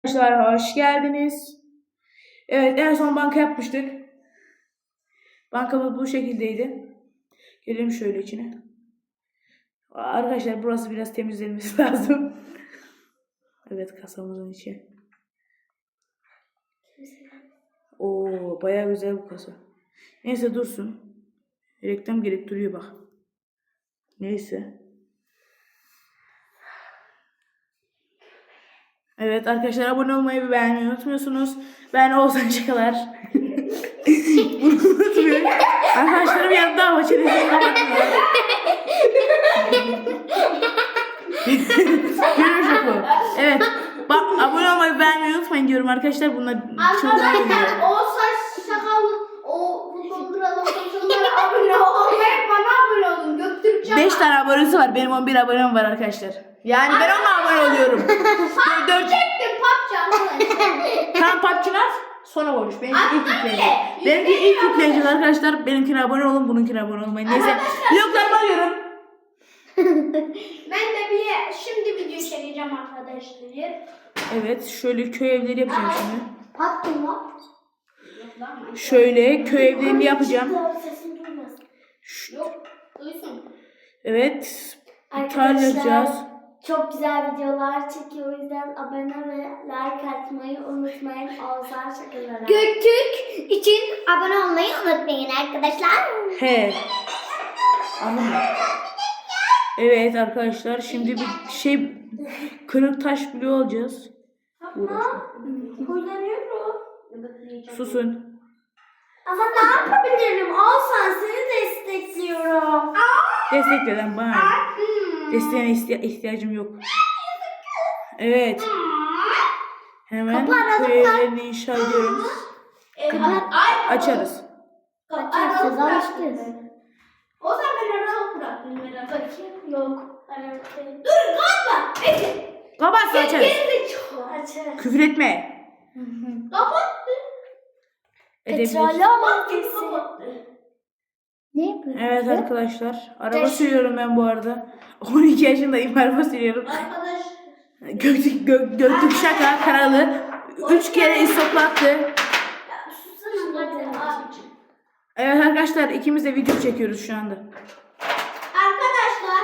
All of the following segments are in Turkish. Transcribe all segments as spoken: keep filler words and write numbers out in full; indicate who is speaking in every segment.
Speaker 1: Arkadaşlar hoş geldiniz. Evet, en son banka yapmıştık. Bankamız bu şekildeydi. Gelelim şöyle içine. Arkadaşlar burası biraz temizlenmesi lazım. Evet, kasamızın içi. Oo, bayağı güzel bu kasa. Neyse dursun. Reklam gelip duruyor bak. Neyse. Evet arkadaşlar, abone olmayı ve beğenmeyi unutmuyorsunuz. Ben Oğuzhan Şakalar. Bunu unutmayın. Arkadaşlarım yanında ama çenesini kapatmıyor. Görüyor şoku. Evet. Bak, abone olmayı beğenmeyi unutmayın diyorum arkadaşlar. Bunlar
Speaker 2: Arkadaşlar o saç sakallı o futbolculara futbolculara abone olmayı bana abone olun. Göktürkçe
Speaker 1: beş tane abonesi var. Benim on bir abonem var arkadaşlar. Yani ben ona abone oluyorum. dört
Speaker 2: çektim papça.
Speaker 1: Tam papçılar sonra konuş. Benimki ilk yükleyici. Benimki ilk yükleyici arkadaşlar. Benimkine abone olun, bununkine abone olmayın. Neyse. Vloglarımı alıyorum.
Speaker 2: Ben de bir şimdi video çekeceğim arkadaşlar.
Speaker 1: Evet, şöyle köy evleri yapacağım şimdi.
Speaker 2: Pattın mı?
Speaker 1: Şöyle köy evlerini yapacağım.
Speaker 2: Sesini duymasın. Yok, duysun.
Speaker 1: Evet.
Speaker 3: Arkadaşlar,
Speaker 1: yapacağız.
Speaker 3: çok güzel videolar çekiyor. O yüzden abone ve like atmayı unutmayın. Oğuzhan Şakalar'a.
Speaker 2: Göktürk için abone olmayı unutmayın arkadaşlar.
Speaker 1: He. Anladın mı? Evet arkadaşlar, şimdi bir şey kırık taş bloğu alacağız. Uğraşma.
Speaker 3: Kullanıyorum.
Speaker 1: Susun.
Speaker 3: Ama ne yapabilirim? Oğuzhan, seni destekliyorum.
Speaker 1: Destekleyen bana. Desteğine ihtiya- ihtiyacım yok. Evet. Hemen köy evlerini inşa ediyorum. Açarız.
Speaker 3: Açarsız alıştınız.
Speaker 2: O zaman ben aralık bıraktım merak etme.
Speaker 3: Yok. Aralıkta.
Speaker 2: Dur kalkma. Bekle.
Speaker 1: Kapatsın, açarız.
Speaker 3: Açarız.
Speaker 1: Küfür etme.
Speaker 2: Kapattı.
Speaker 1: Edebiliriz.
Speaker 3: Petrolü ama
Speaker 2: Kim kapattı?
Speaker 3: Ne yapıyorsun?
Speaker 1: Evet arkadaşlar, araba sürüyorum ben bu arada. on iki yaşındayım, araba sürüyorum.
Speaker 2: Arkadaş.
Speaker 1: Göktürk, gök, Göktürk Şaka kanalı üç kere istoplattı.
Speaker 2: Susana abicim.
Speaker 1: Evet arkadaşlar, ikimiz de video çekiyoruz şu anda.
Speaker 2: Arkadaşlar.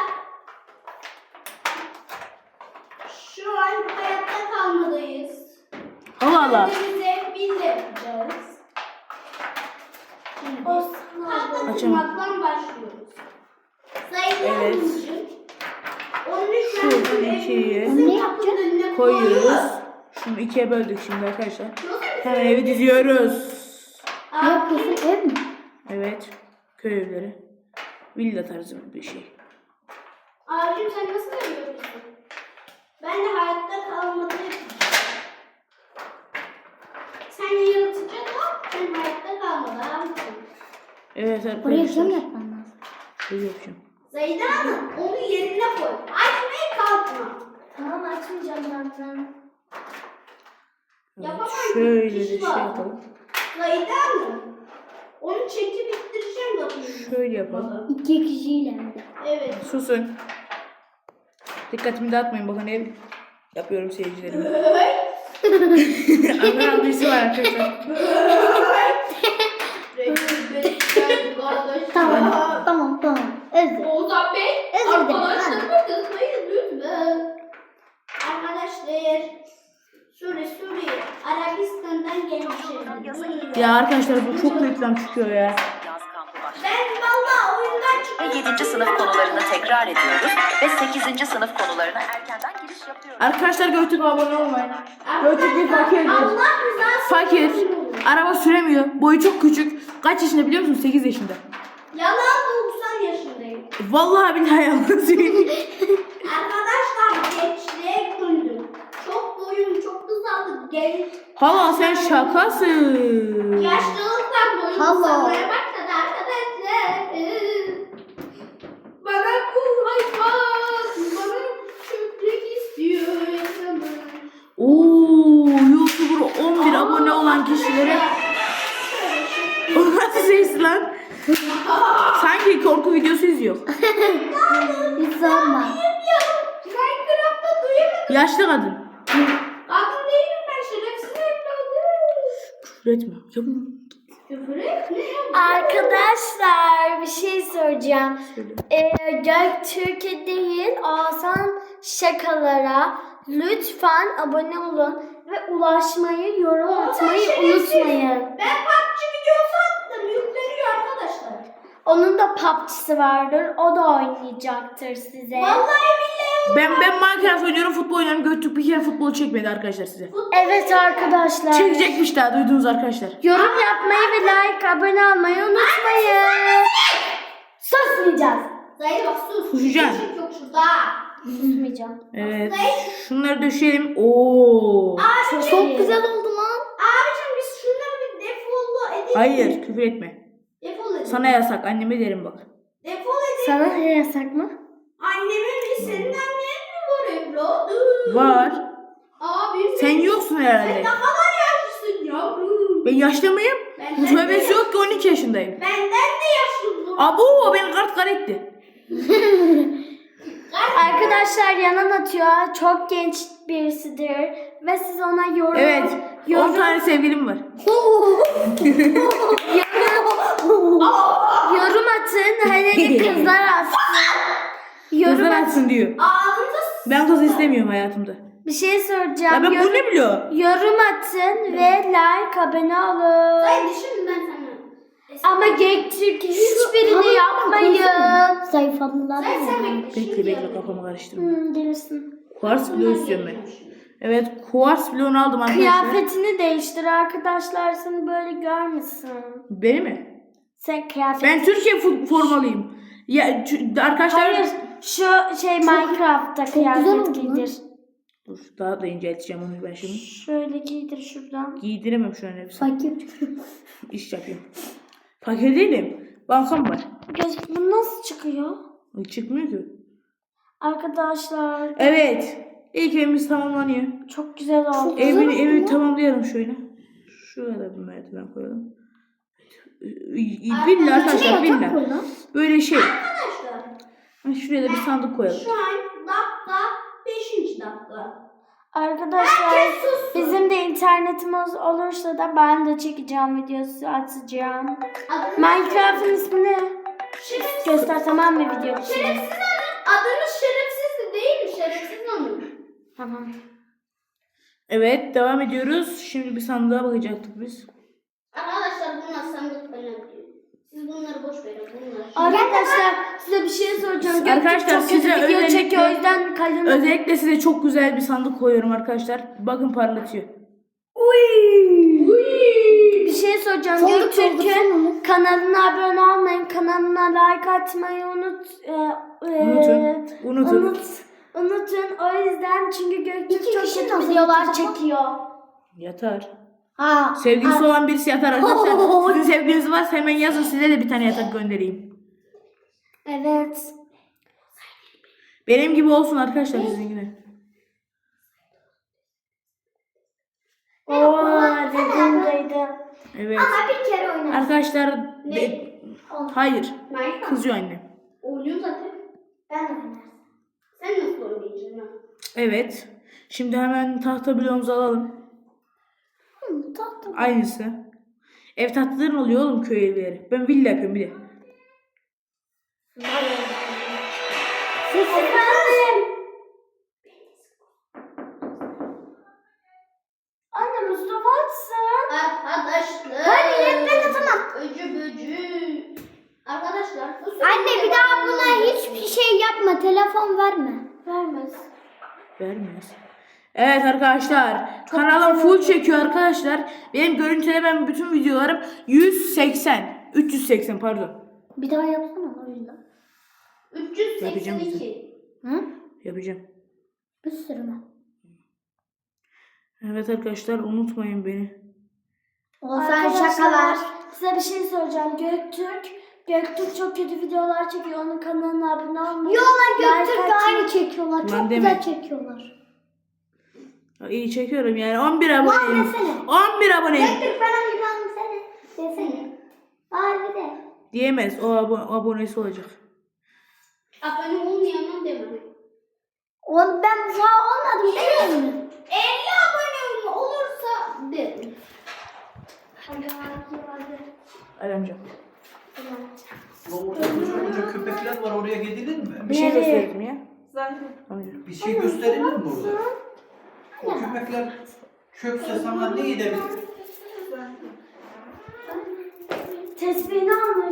Speaker 2: Şu an hayatta kalmadayız.
Speaker 1: Allah Allah.
Speaker 2: Kendimize biz de yapacağız. Şimdi tahta
Speaker 1: Açamam.
Speaker 2: kırmaktan başlıyoruz. Sayılar
Speaker 1: Evet.
Speaker 2: için. Onun için
Speaker 1: Şuradan
Speaker 2: ben
Speaker 1: ikiyi
Speaker 2: evimizin kapının önüne
Speaker 1: koyuyoruz. Şunu ikiye böldük şimdi arkadaşlar. Hemen evi diziyoruz.
Speaker 3: Ne yapıyorsun? Ev mi?
Speaker 1: Evet. Köy evleri. Villa tarzı bir şey.
Speaker 2: Abicim sen nasıl yapıyorsun? Ben de hayatta kalmadı yapacağım. Sen yaratıcı ol, ben hayatta kalmadı abicim.
Speaker 1: Evet
Speaker 3: Oraya
Speaker 1: arkadaşlar.
Speaker 3: cam yapman lazım.
Speaker 1: Şöyle yapacağım.
Speaker 2: Zeyda Hanım onu yerine koy. Açmaya kalkma.
Speaker 3: Tamam, açmayacağım zaten.
Speaker 1: Evet,
Speaker 2: Yapamam,
Speaker 1: şöyle de
Speaker 2: kişi
Speaker 1: şey
Speaker 2: var.
Speaker 1: yapalım.
Speaker 2: Zeyda Hanım onu çekip ittireceğim bakayım.
Speaker 1: Şöyle yapalım.
Speaker 3: İki kişiyle hem de.
Speaker 2: Evet.
Speaker 1: Susun. Dikkatimi dağıtmayın, bakın ev yapıyorum seyircilerime. Anlayan birisi var arkadaşlar.
Speaker 3: Tamam, tamam, tamam. Özür.
Speaker 2: Oğuzhan Bey,
Speaker 3: Özür dilerim.
Speaker 2: arkadaşlarıma kızmayın lütfen. Arkadaşlar, Suriye, Suriye, Arabistan'dan gelmişim.
Speaker 1: Ya arkadaşlar, bu çok reklam çıkıyor ya.
Speaker 2: Ben valla oyundan çıktım.
Speaker 4: yedinci sınıf konularını tekrar ediyoruz ve sekizinci sınıf konularına erkenden giriş yapıyoruz.
Speaker 1: Arkadaşlar, Göktürk abone olmayın. Göktürk bir fakirdir.
Speaker 2: Allah rızası
Speaker 1: Fakir.
Speaker 2: için.
Speaker 1: Araba süremiyor. Boyu çok küçük. Kaç yaşında biliyor musun? sekiz yaşında.
Speaker 2: Yalan doksan yaşındayım.
Speaker 1: Vallahi billahi yalan söylüyorum.
Speaker 2: Arkadaşlar gençliğe güldüm. Çok boyum çok kısaldı. Genç.
Speaker 1: Hala sen şakasın.
Speaker 2: Yaşlılıktan boyum
Speaker 3: Hala.
Speaker 2: kısalmaya başladı arkadaşlar. Bana bu hayvan, bana çöplük istiyor yaşamak.
Speaker 1: Oo, YouTuber on bir abone olan kişilere o nasıl ses lan? Sanki korku videosu izliyor.
Speaker 3: Hiç sorma.
Speaker 2: Minecraft'ta duyamadım.
Speaker 1: Yaşlı kadın.
Speaker 2: Kadın değilim ben.
Speaker 1: Küfür etme. Ya,
Speaker 2: Küfür et. Ne ya?
Speaker 3: Arkadaşlar bir şey soracağım.
Speaker 1: söyle.
Speaker 3: Ee, Göktürk'e değil Oğuzhan şakalara lütfen abone olun ve ulaşmayı, yorum atmayı unutmayın.
Speaker 2: Ben P U B G videosu attım. Yükleniyor arkadaşlar.
Speaker 3: Onun da P U B G'si vardır. O da oynayacaktır size.
Speaker 2: Vallahi billahi.
Speaker 1: Ben ben Minecraft oynuyorum, futbol oynuyorum. Göktürk bir kere futbol çekmedi arkadaşlar size.
Speaker 3: Evet arkadaşlar.
Speaker 1: Çekecekmiş daha, duydunuz arkadaşlar.
Speaker 3: Yorum yapmayı ve like, abone olmayı unutmayın. Susmayacağız.
Speaker 2: Zahir bak sus.
Speaker 1: Susacaksın.
Speaker 2: Işık yok şurada.
Speaker 3: Susmayacağım.
Speaker 1: Evet. Şunları döşeyelim. Oo.
Speaker 2: Abi
Speaker 3: Çok güzel oldu lan.
Speaker 2: Abicim biz şunları bir defolu edelim.
Speaker 1: Hayır, küfür etme.
Speaker 2: Defol edelim.
Speaker 1: Sana yasak, anneme derim bak.
Speaker 2: Defol edelim.
Speaker 3: Sana ne yasak mı?
Speaker 2: Annemin bir senin annen mi var evladım?
Speaker 1: Var.
Speaker 2: Abim.
Speaker 1: Sen yoksun
Speaker 2: Sen
Speaker 1: herhalde.
Speaker 2: ne kadar yaşlısın yavrum.
Speaker 1: Ben yaşlı mıyım?
Speaker 2: Benden de
Speaker 1: Tövbesi yok ki, on iki yaşındayım.
Speaker 2: Benden de yaşlı bu.
Speaker 1: Abo, beni kart kar etti.
Speaker 3: Arkadaşlar yanan atıyor. Çok genç birisidir. Ve siz ona yorum...
Speaker 1: Evet. on
Speaker 3: yorum,
Speaker 1: tane sevgilim var.
Speaker 3: yorum atın. Hele de kızlar atsın. Yorum
Speaker 1: Kızlar
Speaker 3: atın.
Speaker 1: atsın diyor.
Speaker 2: Ağzınıza s-
Speaker 1: Ben kız istemiyorum hayatımda.
Speaker 3: Bir şey soracağım.
Speaker 1: Ya ben
Speaker 3: Yorum-
Speaker 1: bunu ne biliyor?
Speaker 3: Yorum atın ve like, abone olun.
Speaker 2: Ben düşün ben sana.
Speaker 3: Ama Göktürk'e hiçbirini yapmayın.
Speaker 5: Zayıfladılar.
Speaker 2: Sen sen bekle.
Speaker 1: Bekle
Speaker 2: şimdi
Speaker 1: bekle,
Speaker 2: yapayım.
Speaker 1: kafamı karıştırma.
Speaker 3: Hmm, gelirsin.
Speaker 1: Kuars bloğu istiyorum ben. Evet, kuars bloğunu aldım arkadaşlar.
Speaker 3: Kıyafetini değiştir arkadaşlar, seni böyle görmesin.
Speaker 1: Beni mi?
Speaker 3: Sen kıyafet...
Speaker 1: Ben Türkiye fu- formalıyım. Ya ç- arkadaşlar.
Speaker 3: Hayır, şu şey Minecraft'ta
Speaker 5: güzel
Speaker 3: kıyafet
Speaker 5: oldu lan.
Speaker 3: giydir.
Speaker 1: Dur, daha da incelteceğim onu ben şimdi.
Speaker 3: Şöyle giydir şuradan.
Speaker 1: Giydiremem şu an hepsini.
Speaker 5: Fakir.
Speaker 1: İş yapıyorum. Fakir değilim. Bankam var.
Speaker 3: Göz, bu nasıl çıkıyor?
Speaker 1: Çıkmıyor ki.
Speaker 3: Arkadaşlar
Speaker 1: Evet. İlk evimiz tamamlanıyor.
Speaker 3: çok güzel oldu.
Speaker 1: Evi, evi tamamlayalım şöyle. Şuraya da bir merdiven koyalım. Villa arkadaşlar, villa. Böyle şey.
Speaker 2: Arkadaşlar
Speaker 1: Ha, şuraya da bir sandık koyalım.
Speaker 2: şu an dakika beşinci dakika.
Speaker 3: Arkadaşlar
Speaker 2: Herkes sussun.
Speaker 3: bizim de internetimiz olursa da ben de çekeceğim videosu atacağım.
Speaker 2: Adınız,
Speaker 3: Minecraft'ın ismi ne?
Speaker 2: şerefsiz,
Speaker 3: Göster tamam mı video için?
Speaker 2: şerefsiz hanım. Adınız şerefsiz de değil mi? Şerefsiz hanım.
Speaker 3: Tamam.
Speaker 1: Evet, devam ediyoruz. Şimdi bir sandığa bakacaktık biz.
Speaker 2: Arkadaşlar bunlar sandık önemli. Siz bunları boş verin. Bunlar.
Speaker 3: Arkadaşlar size bir şey soracağım. Göktürk
Speaker 1: Arkadaşlar,
Speaker 3: çok kötü
Speaker 1: size
Speaker 3: video
Speaker 1: özellikle-
Speaker 3: çekiyor o yüzden kalın.
Speaker 1: Özellikle size çok güzel bir sandık koyuyorum arkadaşlar. Bakın, parlatıyor.
Speaker 3: Bir şey soracağım.
Speaker 5: Sandık
Speaker 3: Göktürk'ün
Speaker 5: doldursana.
Speaker 3: kanalına abone olmayın. Kanalına like atmayı unut. E, e,
Speaker 1: Unutun. Unutun.
Speaker 3: Unut, unutun. O yüzden çünkü Göktürk
Speaker 5: İki
Speaker 3: çok
Speaker 5: kişi
Speaker 3: kötü
Speaker 5: nasıl
Speaker 3: videolar
Speaker 5: yatacak?
Speaker 3: çekiyor.
Speaker 1: Yatar.
Speaker 5: Ha.
Speaker 1: Sevgilisi olan birisi yatar arkadaşlar. Sizin sevgiliniz varsa hemen yazın, size de bir tane yatak göndereyim.
Speaker 3: Evet.
Speaker 1: Benim gibi olsun arkadaşlar sizin gibi.
Speaker 3: Oo, dedim dedim.
Speaker 1: Evet.
Speaker 2: Ama bir kere oynadım.
Speaker 1: Arkadaşlar
Speaker 2: Ne?
Speaker 1: de- hayır.
Speaker 2: Minecraft.
Speaker 1: Kızıyor annem.
Speaker 2: Oynuyor zaten.
Speaker 3: Ben oynarım.
Speaker 2: Sen nasıl oynayacaksın? ha?
Speaker 1: Evet. Şimdi hemen tahta bloğumuzu alalım.
Speaker 5: Tatlı.
Speaker 1: Aynısı. Ev tahtaların oluyor oğlum, köy evleri. Ben villa yapıyorum bir de.
Speaker 3: Efendim. Anne Mustafa atsın.
Speaker 2: Arkadaşlar.
Speaker 5: Hayır, ben atamam.
Speaker 2: Öcü böcü. Arkadaşlar. bu
Speaker 5: Anne
Speaker 2: sürede
Speaker 5: bir daha
Speaker 2: ben-
Speaker 5: buna hiçbir şey yapma. Telefon verme.
Speaker 3: Vermez.
Speaker 1: Vermez. Evet arkadaşlar. Kanalım full çekiyor arkadaşlar. Benim görüntülemem bütün videolarım yüz seksen. üç yüz seksen pardon.
Speaker 5: Bir daha yapsana o yüzden.
Speaker 2: üç yüz seksen
Speaker 1: Yapacağım
Speaker 2: iki.
Speaker 5: Hı?
Speaker 1: Yapacağım.
Speaker 5: Bir sürü mü?
Speaker 1: Evet arkadaşlar, unutmayın beni.
Speaker 5: O sen
Speaker 3: Arkadaşlar
Speaker 5: şakalar.
Speaker 3: size bir şey soracağım. Göktürk. Göktürk çok kötü videolar çekiyor. Onun kanalına abone olmayı.
Speaker 5: Yola
Speaker 3: like
Speaker 5: Göktürk'le
Speaker 3: atın.
Speaker 5: aynı çekiyorlar.
Speaker 1: Lan
Speaker 5: Çok
Speaker 1: deme.
Speaker 5: güzel çekiyorlar.
Speaker 1: Ya, İyi çekiyorum yani. on bir aboneyim.
Speaker 5: desene.
Speaker 1: on bir aboneyim.
Speaker 5: Göktürk bana bir tane sene. Desene. Var bir de.
Speaker 1: Diyemez. O abo- abonesi olacak.
Speaker 2: Abone olmayandan deme.
Speaker 5: O, ben daha olmadım değil mi?
Speaker 2: elli abone olursa derim.
Speaker 1: Hadi amca.
Speaker 6: Orada koca koca köpekler var, oraya gidilir mi?
Speaker 1: Bir şey
Speaker 3: Nereye?
Speaker 1: gösterdim ya.
Speaker 2: Zaten.
Speaker 1: Amca.
Speaker 6: Bir şey gösterilir mi orada? O köpekler çökse sana ne edebilir?
Speaker 3: Tesbihini almış.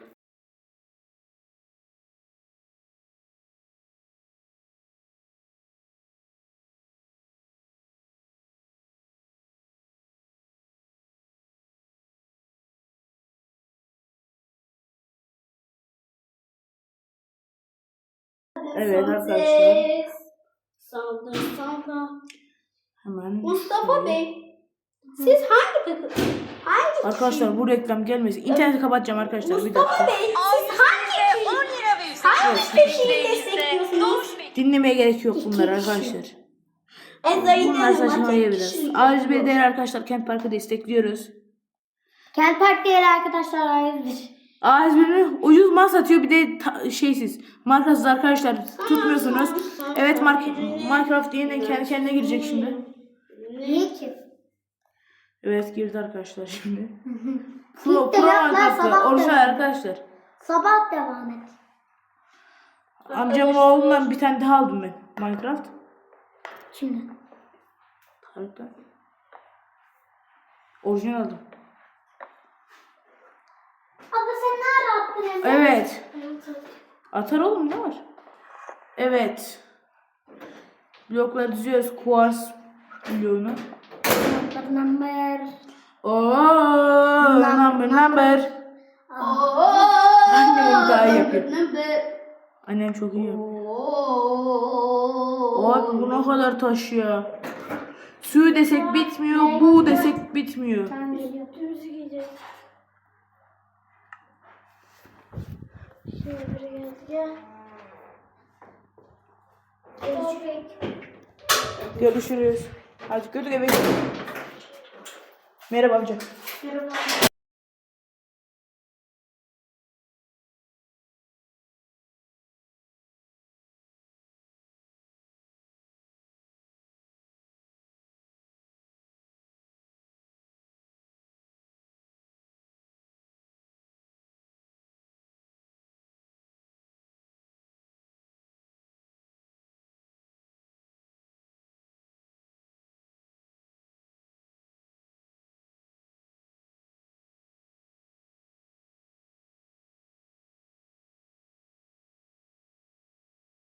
Speaker 1: Evet arkadaşlar.
Speaker 3: Saldır saldır.
Speaker 1: Hemen.
Speaker 2: Mustafa
Speaker 1: şöyle.
Speaker 2: Bey, siz hangi takım? Hangi
Speaker 1: Arkadaşlar bu reklam gelmesin. İnterneti kapatacağım arkadaşlar. Bir dakika.
Speaker 2: Mustafa Bey, siz hangi
Speaker 4: on lira ve
Speaker 2: hangi
Speaker 4: üstelik
Speaker 2: kişiyi destekliyorsunuz?
Speaker 1: Dinlemeye gerek yok bunlar arkadaşlar.
Speaker 2: Ezra'yı
Speaker 1: Bunlar saçmalıyor biraz. A yüz bir değer arkadaşlar Kent Park'ı destekliyoruz.
Speaker 3: Kent Park değeri arkadaşlar ayrıdır.
Speaker 1: A yüz bir'ini ucuz mal satıyor bir de ta- şeysiz. Markasız arkadaşlar tutmuyorsunuz. Evet Mark Minecraft yeniden kendi kendine girecek şimdi.
Speaker 3: Niye ki?
Speaker 1: Evet girdi arkadaşlar şimdi.
Speaker 3: İlk
Speaker 1: Pro,
Speaker 3: de
Speaker 1: Pro
Speaker 3: yapma,
Speaker 1: Minecraft'ta
Speaker 3: sabah
Speaker 1: orijinal
Speaker 3: devam.
Speaker 1: arkadaşlar.
Speaker 3: Sabah devam et.
Speaker 1: Amcamın oğlundan bir tane daha aldım ben Minecraft.
Speaker 3: Şimdi.
Speaker 1: Harika. Orijinal aldım.
Speaker 3: Abla sen nerede attın Emre?
Speaker 1: Evet. Atar oğlum ne var? Evet. Blokları diziyoruz. Quartz bloğunu.
Speaker 3: Number.
Speaker 1: Ooo number number. Annem onu daha iyi yapıyor. Annem çok iyi yapıyor. Abi bu ne kadar taş ya. Suyu desek bitmiyor, bu desek bitmiyor.
Speaker 3: Ben geliyorum. Üstümüzü giyeceğiz. Şöyle biri geldi gel.
Speaker 1: Görüşürüz. Hadi götür eve. Merhaba amca.
Speaker 2: Merhaba.